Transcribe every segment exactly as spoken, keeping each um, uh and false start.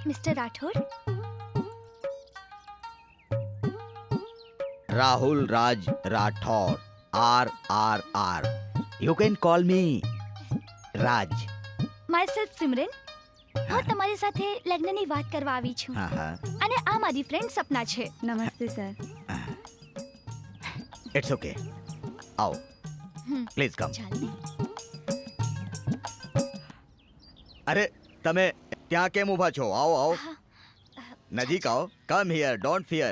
Mister Rathod, Rahul Raj Rathod. R R R. You can call me Raj. Myself Simran. હું તમારી સાથે લગ્નની વાત કરવા આવી છું હા હા. અને આ મારી ફ્રેન્ડ સપના છે. નમસ્તે સર. It's okay. આવો. Please come. ચાલ ને. અરે તમે ત્યાં કેમ ઊભા છો? આવો આવો. નજીક આવો. Come here. Don't fear.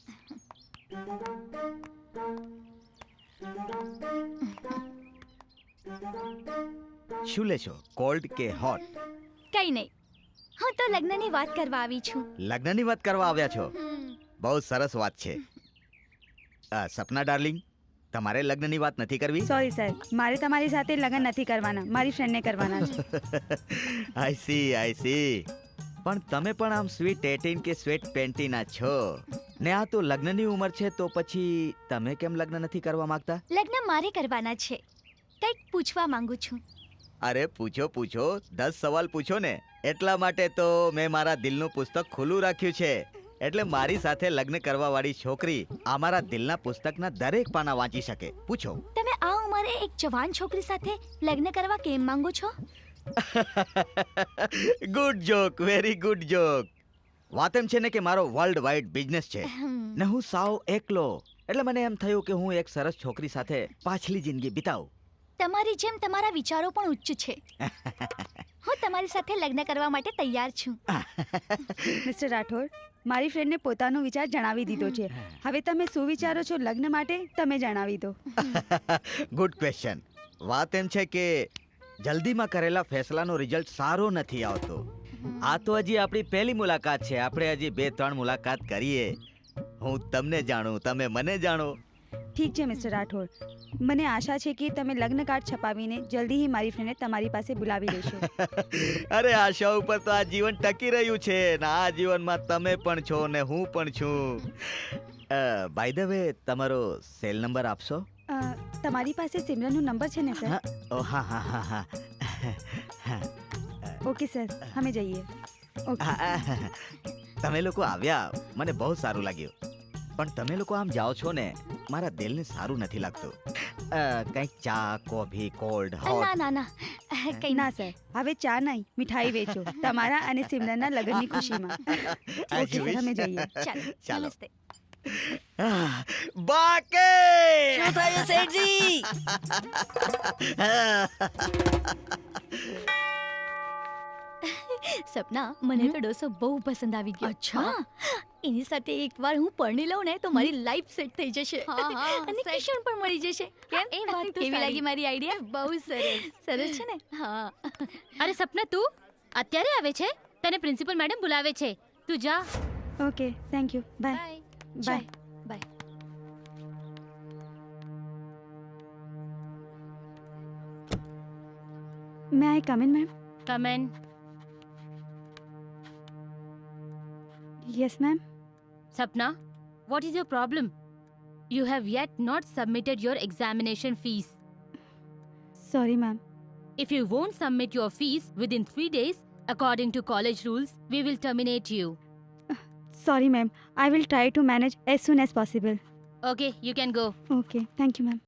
શું લેશો? કોલ્ડ કે હોટ? કઈ નહીં, હું તો લગ્નની વાત કરવા આવી છું. લગ્નની વાત કરવા આવ્યા છો? હમ. બહુ સરસ વાત છે. અ, સપના ડાર્લિંગ, તમારે લગ્નની વાત નથી કરવી? સોરી સર, મારે તમારી સાથે લગ્ન નથી કરવાના, મારી ફ્રેન્ડને કરવાના છે. I see I see. પણ તમે પણ આમ સ્વીટ એટીન કે સ્વીટ ટ્વેન્ટીના છો ને આ તો લગ્નની ઉંમર છે, તો પછી તમે કેમ લગ્ન નથી કરવા માંગતા? લગ્ન મારે કરવાના છે. કંઈક પૂછવા માંગુ છું. અરે પૂછો પૂછો, દસ સવાલ પૂછો ને. એટલા માટે તો મેં મારા દિલનું પુસ્તક ખુલ્લું રાખ્યું છે. એટલે મારી સાથે લગ્ન કરવા વાળી છોકરી અમારા દિલના પુસ્તકના દરેક પાના વાંચી શકે. પૂછો. તમે આ ઉંમરે એક જવાન છોકરી સાથે લગ્ન કરવા કેમ માંગો છો? Good joke, very good joke. વાત એમ છે ને કે મારો વર્લ્ડ વાઇડ બિઝનેસ છે હમ. ને હું સાવ એકલો. એટલે મને એમ થયું કે હું એક સરસ છોકરી સાથે પાછલી જિંદગી બિતાવું. તમારી જેમ તમારા વિચારો પણ ઉચ્ચ છે. હું તમારી સાથે લગ્ન કરવા માટે તૈયાર છું. મિસ્ટર રાઠોડ, મારી ફ્રેન્ડને પોતાનો વિચાર જણાવી દીધો છે. હવે તમે શું વિચારો છો લગ્ન માટે તમે જણાવી દો. Good question. વાત એમ છે કે જલ્દીમાં કરેલા ફેસલાનો રિઝલ્ટ સારો નથી આવતો. આ તો હજી આપણી પહેલી મુલાકાત છે. આપણે હજી બે ત્રણ મુલાકાત કરીએ. હું તમને જાણું, તમે મને જાણો. ઠીક છે મિસ્ટર રાઠોડ, મને આશા છે કે તમે લગ્ન કાર્ડ છપાવીને જલ્દી જ મારી ફ્રેન્ડને તમારી પાસે બોલાવી લેશો. અરે આશા ઉપર તો આ જીવન ટકી રહ્યું છે ને આ જીવનમાં તમે પણ છો ને હું પણ છું. બાય ધ વે, તમારો સેલ નંબર આપશો? અ, તમારી પાસે સિમરનનો નંબર છે ને સર? હા. ઓ હા હા હા હા હા. ઓકે સર, અમે જઈએ. ઓકે. હા, તમે લોકો આવ્યા મને બહુ સારું લાગ્યું. પણ તમે લોકો આમ જાઓ છો ને, મારા દિલને સારું નથી લાગતું. અ, કંઈક ચા, કોફી, કોલ્ડ, ના હોટ. ના ના, કઈ ના સર, હવે ચા નહીં, મીઠાઈ વેચો તમારા અને સિમરનના લગ્નની ખુશીમાં. ઓકે સર, અમે જઈએ. ચાલો. ચાલો. નમસ્તે. બાકે શું થયું શેઠજી? સપના, મને તો ડોસો બહુ પસંદ આવી ગયો. અચ્છા. હા, એની સાથે એકવાર હું પરણી લઉં ને તો મારી લાઈફ સેટ થઈ જશે. હા, હા, અને set. કિશન પણ મળી જશે. કેમ? એ વાત તો કેવી સારી. લાગી મારી આઈડિયા? બહુ સરસ. સરસ છે ને? હા. અરે સપના, તું અત્યારે આવે છે? તને પ્રિન્સિપલ મેડમ બોલાવે છે. તું જા. Okay, thank you. Bye. Bye. Bye. Bye. May I come in ma'am? Come in. Yes ma'am. Sapna, what is your problem? You have yet not submitted your examination fees. Sorry ma'am. If you won't submit your fees within three days, according to college rules, we will terminate you. Sorry ma'am, I will try to manage as soon as possible. Okay, you can go. Okay, thank you ma'am.